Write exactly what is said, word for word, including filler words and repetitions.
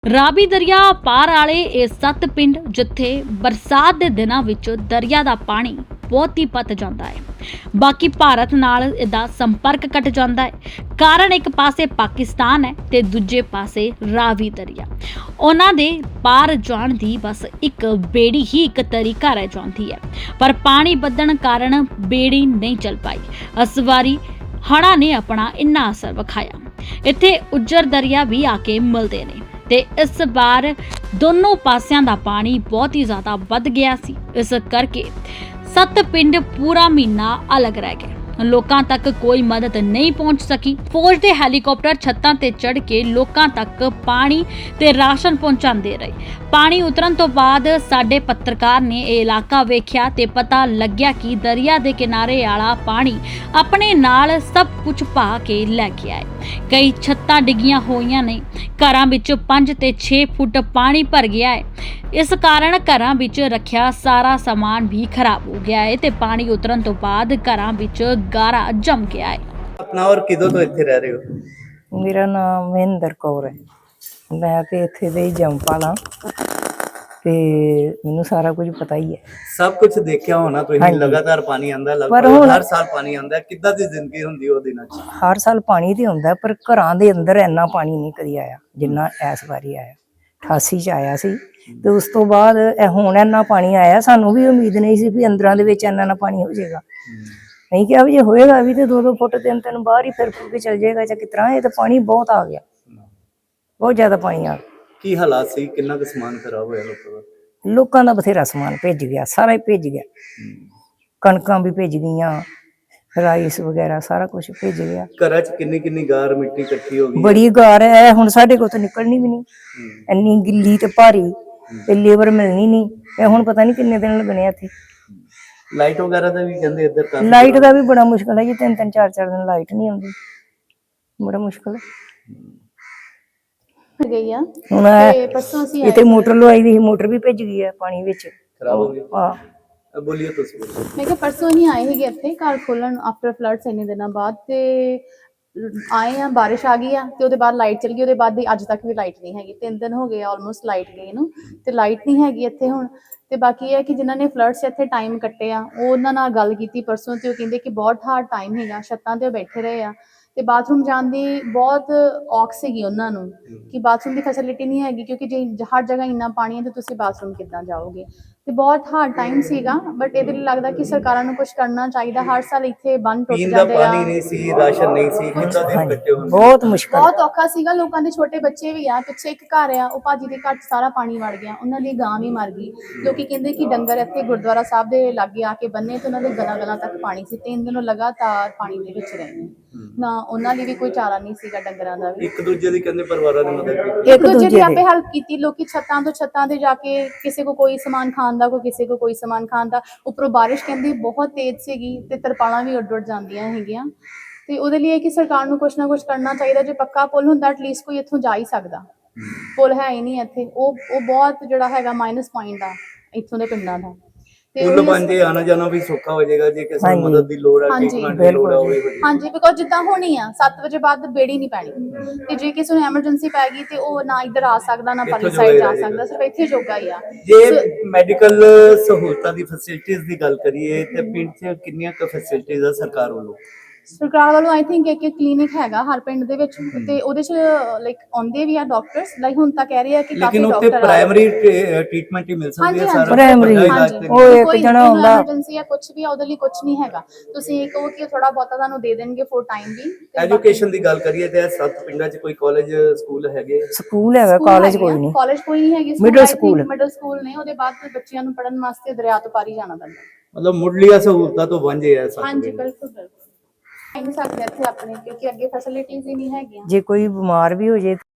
ਰਾਵੀ ਦਰਿਆ ਪਾਰ ਵਾਲੇ ਇਹ ਸੱਤ ਪਿੰਡ ਜਿੱਥੇ ਬਰਸਾਤ ਦੇ ਦਿਨਾਂ ਵਿੱਚ ਦਰਿਆ ਦਾ ਪਾਣੀ ਬਹੁਤ ਹੀ ਵੱਧ ਜਾਂਦਾ ਹੈ। ਬਾਕੀ ਭਾਰਤ ਨਾਲ ਇਹਦਾ ਸੰਪਰਕ ਕੱਟ ਜਾਂਦਾ ਹੈ। ਕਾਰਨ ਇੱਕ ਪਾਸੇ ਪਾਕਿਸਤਾਨ ਹੈ ਤੇ ਦੂਜੇ ਪਾਸੇ ਰਾਵੀ ਦਰਿਆ। ਉਹਨਾਂ ਦੇ ਪਾਰ ਜਾਣ ਦੀ ਬਸ ਇੱਕ ਬੇੜੀ ਹੀ ਇੱਕ ਤਰੀਕਾ ਰਹਿ ਜਾਂਦੀ ਹੈ, ਪਰ ਪਾਣੀ ਵੱਧਣ ਕਾਰਨ ਬੇੜੀ ਨਹੀਂ ਚੱਲ ਪਾਈ। ਇਸ ਵਾਰੀ ਹੜ੍ਹਾਂ ਨੇ ਆਪਣਾ ਇੰਨਾ ਅਸਰ ਵਿਖਾਇਆ। ਇੱਥੇ ਉੱਜਰ ਦਰਿਆ ਵੀ ਆ ਕੇ ਮਿਲਦੇ ਨੇ ਤੇ ਇਸ ਵਾਰ ਦੋਨੋਂ ਪਾਸਿਆਂ ਦਾ ਪਾਣੀ ਬਹੁਤ ਹੀ ਜ਼ਿਆਦਾ ਵੱਧ ਗਿਆ ਸੀ। ਇਸ ਕਰਕੇ ਸੱਤ ਪਿੰਡ ਪੂਰਾ ਮਹੀਨਾ ਅਲੱਗ ਰਹਿ ਗਏ। ਲੋਕਾਂ ਤੱਕ ਕੋਈ ਮਦਦ ਨਹੀਂ ਪਹੁੰਚ ਸਕੀ। ਫੌਜ ਦੇ ਹੈਲੀਕਾਪਟਰ ਛੱਤਾਂ ਤੇ ਚੜ੍ਹ ਕੇ ਲੋਕਾਂ ਤੱਕ ਪਾਣੀ ਤੇ ਰਾਸ਼ਨ ਪਹੁੰਚਾਉਂਦੇ ਰਹੇ। ਪਾਣੀ ਉਤਰਨ ਤੋਂ ਬਾਅਦ ਸਾਡੇ ਪੱਤਰਕਾਰ ਨੇ ਇਹ ਇਲਾਕਾ ਵੇਖਿਆ ਤੇ ਪਤਾ ਲੱਗਿਆ ਕਿ ਦਰਿਆ ਦੇ ਕਿਨਾਰੇ ਵਾਲਾ ਪਾਣੀ ਆਪਣੇ ਨਾਲ ਸਭ ਕੁਝ ਪਾ ਕੇ ਲੈ ਕੇ ਆਏ। ਕਈ ਛੱਤਾਂ ਡਿੱਗੀਆਂ ਹੋਈਆਂ ਨੇ, ਘਰਾਂ ਵਿੱਚ ਪੰਜ ਤੇ ਛੇ ਫੁੱਟ ਪਾਣੀ ਭਰ ਗਿਆ ਹੈ। ਇਸ ਕਾਰਨ ਘਰਾਂ ਵਿੱਚ ਰੱਖਿਆ ਸਾਰਾ ਸਮਾਨ ਵੀ ਖਰਾਬ ਹੋ ਗਿਆ ਹੈ ਤੇ ਪਾਣੀ ਉਤਰਨ ਤੋਂ ਬਾਅਦ ਘਰਾਂ ਵਿੱਚ ਗਾਰਾ ਜੰਮ ਗਿਆ ਹੈ। अपना और किदों तो इत्थे रह रहे हो? मेरा नाम महेंद्र कौर है। मैं ते इत्थे दे ही जंपाल हाँ ते मैनू सारा कुछ पता ही है। सब कुछ देखिया होना तुसीं। हाँ जी। लगातार पानी आंदा, पर लगभग हुण- हर साल पानी आंदा। किद्दां दी जिंदगी हुंदी ओ दिनां च? हर साल पानी तो आंदा पर घरां दे अंदर इन्ना पानी नहीं कदी आया जिन्ना इस बारी आया। अठासी च आया सी ते उस तो बाद ए हुण इन्ना पानी आया, सानू भी उम्मीद नहीं सी भी अंदरां दे विच इन्ना ना पानी हो जाएगा। नहीं क्या भी जे होएगा भी तो दो दो फुट तीन तीन बाहर ही फिर फुर के चल जाएगा चाहे कितना। ये तो पानी बहुत आ गया, बहुत ज्यादा पानी आ गया। की हालात सी? किन्ना क समान खराब होया लोकां दा? लोगों का बथेरा समान भेज गया, सारा ही भेज गया। कणकां भी भेज गईयां, राइस वगैरह सारा कुछ भेज गया। घरां च किन्नी किन्नी गार मिट्टी इकट्ठी हो गई? बड़ी गार है हुण साडे कोल तो निकलनी भी नहीं, इन्नी गिल्ली ते भारी ते लेबर मिलनी नहीं। ते हुण पता नहीं किन्ने दिन लगने इत्थे। लाइट वगैरह दा भी कहंदे इधर काफी लाइट का भी बड़ा मुश्किल है जी, तीन तीन चार चार दिन लाइट नहीं आउंदी, बड़ा मुश्किल है। गई आ हुण ते परसों ਅਸੀਂ इत्थे मोटर लवाई दी, मोटर भी भज गई है पानी विच। खराब हो गई। हां अब बोलिए तुसीं बोलो। ਮੈਂ ਕਿਹਾ ਪਰਸੋਂ ਹੀ ਆਏ ਹੈਗੇ ਇੱਥੇ ਘਰ ਖੋਲਣ ਆਫਟਰ ਫਲੱਡਸ ਇੰਨੇ ਦਿਨਾਂ ਬਾਅਦ ਤੇ ਆਏ ਆ, ਬਾਰਿਸ਼ ਆ ਗਈ ਆ ਤੇ ਉਹਦੇ ਬਾਅਦ ਲਾਈਟ ਚਲ ਗਈ। ਉਹਦੇ ਬਾਅਦ ਦੀ ਅੱਜ ਤੱਕ ਵੀ ਲਾਈਟ ਨਹੀਂ ਹੈਗੀ। ਤਿੰਨ ਦਿਨ ਹੋ ਗਏ ਆਲਮੋਸਟ ਲਾਈਟ ਗਈ ਨੂੰ ਤੇ ਲਾਈਟ ਨਹੀਂ ਹੈਗੀ ਇੱਥੇ ਹੁਣ। ਤੇ ਬਾਕੀ ਇਹ ਹੈ ਕਿ ਜਿਨ੍ਹਾਂ ਨੇ ਫਲੱਡਸ ਇੱਥੇ ਟਾਈਮ ਕੱਟੇ ਆ ਉਹ ਉਹਨਾਂ ਨਾਲ ਗੱਲ ਕੀਤੀ ਪਰਸੋਂ ਤੇ ਉਹ ਕਹਿੰਦੇ ਕਿ ਬਹੁਤ ਹਾਰਡ ਟਾਈਮ ਹੈਗਾ। ਛੱਤਾਂ ਤੇ ਉਹ ਬੈਠੇ ਰਹੇ ਆ ਤੇ ਬਾਥਰੂਮ ਜਾਣ ਦੀ ਬਹੁਤ ਔਖ ਸੀਗੀ ਉਹਨਾਂ ਨੂੰ ਕਿ ਬਾਥਰੂਮ ਦੀ ਫੈਸਿਲਿਟੀ ਨਹੀਂ ਹੈਗੀ, ਕਿਉਂਕਿ ਜੇ ਹਰ ਜਗ੍ਹਾ ਇੰਨਾ ਪਾਣੀ ਹੈ ਤੇ ਤੁਸੀਂ ਬਾਥਰੂਮ ਕਿੱਦਾਂ ਜਾਓਗੇ। ਤੇ ਬਹੁਤ ਹਾਰਡ ਟਾਈਮ ਸੀਗਾ। ਬਟ ਇਹਦੇ ਲਈ ਲੱਗਦਾ ਕਿ ਸਰਕਾਰਾਂ ਨੂੰ ਕੁਝ ਕਰਨਾ ਚਾਹੀਦਾ। ਹਰ ਸਾਲ ਇੱਥੇ ਬੰਨ ਟੁੱਟ पीन दा ਜਾਂਦੇ ਆ। पानी नहीं सी, राशन नहीं सी, किद्दां दिन कट्टे हुंदे? बहुत मुश्किल। ਬਹੁਤ ਔਖਾ ਸੀਗਾ। ਲੋਕਾਂ ਦੇ ਛੋਟੇ ਬੱਚੇ ਵੀ ਆ। ਪਿੱਛੇ ਇੱਕ ਘਰ ਆ, ਉਹ ਭਾਜੀ ਦੇ ਘਰ 'ਚ ਸਾਰਾ ਪਾਣੀ ਵੜ ਗਿਆ, ਉਹਨਾਂ ਦੀ ਗਾਂ ਵੀ ਮਰ ਗਈ। ਲੋਕੀ ਕਹਿੰਦੇ ਕਿ ਡੰਗਰ ਇੱਥੇ ਗੁਰਦੁਆਰਾ ਸਾਹਿਬ ਦੇ ਲਾਗੇ ਆ ਕੇ ਬੰਨੇ ਤੇ ਉਹਨਾਂ ਦੇ ਗਲਾਂ ਗਲਾਂ ਤੱਕ ਪਾਣੀ ਸੀ। ਤਿੰਨ ਦਿਨ ਉਹ ਲਗਾਤਾਰ ਪਾਣੀ ਦੇ ਵਿੱਚ ਰਹੇ ਨੇ। ਨਾ ਉਹਨਾਂ ਲਈ ਵੀ ਕੋਈ ਚਾਰਾ ਨਹੀਂ ਸੀਗਾ, ਡੰਗਰਾਂ ਦਾ ਵੀ। एक दूजे दी कहंदे परिवारां दी मदद कीती। एक ਦੂਜੇ दूजे ਦੀ दे ਆਪੇ ਹੈਲਪ ਕੀਤੀ। ਲੋਕੀ ਛੱਤਾਂ ਤੋਂ ਛੱਤਾਂ ਤੇ ਜਾ ਕੇ ਕਿਸੇ ਕੋ ਕੋਈ ਸਮਾਨ ਖਾਣ ਦਾ, ਕੋਈ ਕਿਸੇ ਕੋ ਕੋਈ ਸਮਾਨ ਖਾਣ ਦਾ। ਉੱਪਰੋਂ ਬਾਰਿਸ਼ ਕਹਿੰਦੀ ਬਹੁਤ ਤੇਜ਼ ਸੀਗੀ ਤੇ ਤਰਪਾਲਾਂ ਵੀ ਉੱਡ ਉੱਡ ਜਾਂਦੀਆਂ ਹੈਗੀਆਂ। ਤੇ ਉਹਦੇ ਲਈ ਇਹ ਕਿ ਸਰਕਾਰ ਨੂੰ ਕੁਛ ਨਾ ਕੁਛ ਕਰਨਾ ਚਾਹੀਦਾ। ਜੇ ਪੱਕਾ ਪੁਲ ਹੁੰਦਾ ਐਟਲੀਸਟ ਕੋਈ ਇੱਥੋਂ ਜਾ ਹੀ ਸਕਦਾ। ਪੁਲ ਹੈ ਹੀ ਨਹੀਂ ਇੱਥੇ। ਉਹ ਉਹ ਬਹੁਤ ਜਿਹੜਾ ਹੈਗਾ ਮਾਈਨਸ ਪੁਆਇੰਟ ਆ ਇੱਥੋਂ ਦੇ ਪਿੰਡਾਂ ਦਾ। ਤੇ पुल ਉਹੀ बन जे आना जाना भी सौखा हो जाएगा। जे किसी हाँ नूं जी। मदद दी लोड़ है, हाँ जी, ट्रीटमेंट दी लोड़ है, वो भी हो जाएगी। ਹਾਂਜੀ, ਬਿਕੋਜ਼ ਜਿੱਦਾਂ ਹੋਣੀ ਆ ਸੱਤ ਵਜੇ ਬਾਅਦ ਬੇੜੀ ਨਹੀਂ ਪੈਣੀ ਤੇ ਜੇ ਕਿਸੇ ਨੂੰ ਐਮਰਜੈਂਸੀ ਪੈ ਗਈ ਤੇ ਉਹ ਨਾ ਇੱਧਰ ਆ ਸਕਦਾ ਨਾ ਪਰਲੀ ਇੱਥੋਂ ਸਾਈਡ ਜੋਗਾ ਜਾ ਹੀ ਸਕਦਾ, ਸਿਰਫ ਇੱਥੇ ਜੋਗਾ ਹੀ ਆ। ਜੇ ਮੈਡੀਕਲ ਸਹੂਲਤਾਂ ਦੀ ਫੈਸਿਲਿਟੀਆਂ ਦੀ ਗੱਲ ਕਰੀਏ ਤੇ ਪਿੰਡ 'ਚ ਕਿੰਨੀਆਂ ਕੁ ਫੈਸਿਲਿਟੀਆਂ ਆ ਸਰਕਾਰ ਵੱਲੋਂ? ਸਰਕਾਰ ਵੱਲੋਂ ਆਈ ਥਿੰਕ ਇੱਕ ਇੱਕ ਕਲੀਨਿਕ ਹੈਗਾ ਹਰ ਪਿੰਡ ਦੇ ਵਿੱਚ ਤੇ ਉਹਦੇ ਚ ਲਾਈਕ ਆਉਂਦੇ ਵੀ ਆ ਡਾਕਟਰਸ। ਲਾਈਕ ਹੁਣ ਤਾਂ ਕਹਿ ਰਹੇ ਆ ਕਿ ਕਾਫੀ ਲੇਕਿਨ ਉੱਥੇ ਡਾਕਟਰ ਆ। ਪ੍ਰਾਇਮਰੀ ਟ੍ਰੀਟਮੈਂਟ ਹੀ ਮਿਲ ਸਕਦੀ ਹਾਂਜੀ ਹੈ ਹਾਂਜੀ, ਸਾਰਾ ਪ੍ਰਾਇਮਰੀ ਵੱਡਾ ਹਾਂਜੀ। ਇਲਾਜ ਤੇ ਉਹ ਇੱਕ ਕੋਈ ਜਣਾ ਹੁੰਦਾ। ਐਮਰਜੈਂਸੀ ਆ ਕੁਝ ਵੀ ਆ, ਉਹਦੇ ਲਈ ਕੁਝ ਨਹੀਂ ਹੈਗਾ। ਤੁਸੀਂ ਕਹੋ ਕਿ ਥੋੜਾ ਬਹੁਤਾ ਤੁਹਾਨੂੰ ਦੇ ਦੇਣਗੇ ਫੋਰ ਟਾਈਮ ਵੀ। ਐਜੂਕੇਸ਼ਨ ਦੀ ਗੱਲ ਕਰੀਏ ਤੇ ਇਹ ਸੱਤ ਪਿੰਡਾਂ 'ਚ ਕੋਈ ਕਾਲਜ ਸਕੂਲ ਹੈਗੇ? ਸਕੂਲ ਹੈਗਾ, ਕਾਲਜ ਕੋਈ ਨਹੀਂ। ਕਾਲਜ ਕੋਈ ਨਹੀਂ ਹੈਗੀ। Middle school। ਮਿਡਲ ਸਕੂਲ ਨੇ। ਉਹਦੇ ਬਾਅਦ ਬੱਚਿਆਂ ਨੂੰ ਪੜਨ ਵਾਸਤੇ ਦਰਿਆ ਤੋਂ ਪਾਰੀ ਜਾਣਾ ਪੈਂਦਾ। ਮਤਲਬ ਮੁੱਢਲੀਆਂ ਸਹੂਲਤਾਂ ਤੋਂ ਵਾਂਝੇ ਆ ਸੱਤ ਹਾਂਜੀ ਪਿੰਡ। ਬਿਲਕੁਲ ਬਿਲਕੁਲ। ਨਹੀਂ ਸਕਦੇ ਇੱਥੇ ਆਪਣੇ, ਕਿਉਂਕਿ ਅੱਗੇ ਫੈਸਿਲਿਟੀਜ਼ ਹੀ ਨਹੀਂ ਹੈਗੀਆਂ। जे कोई बीमार भी हो जाए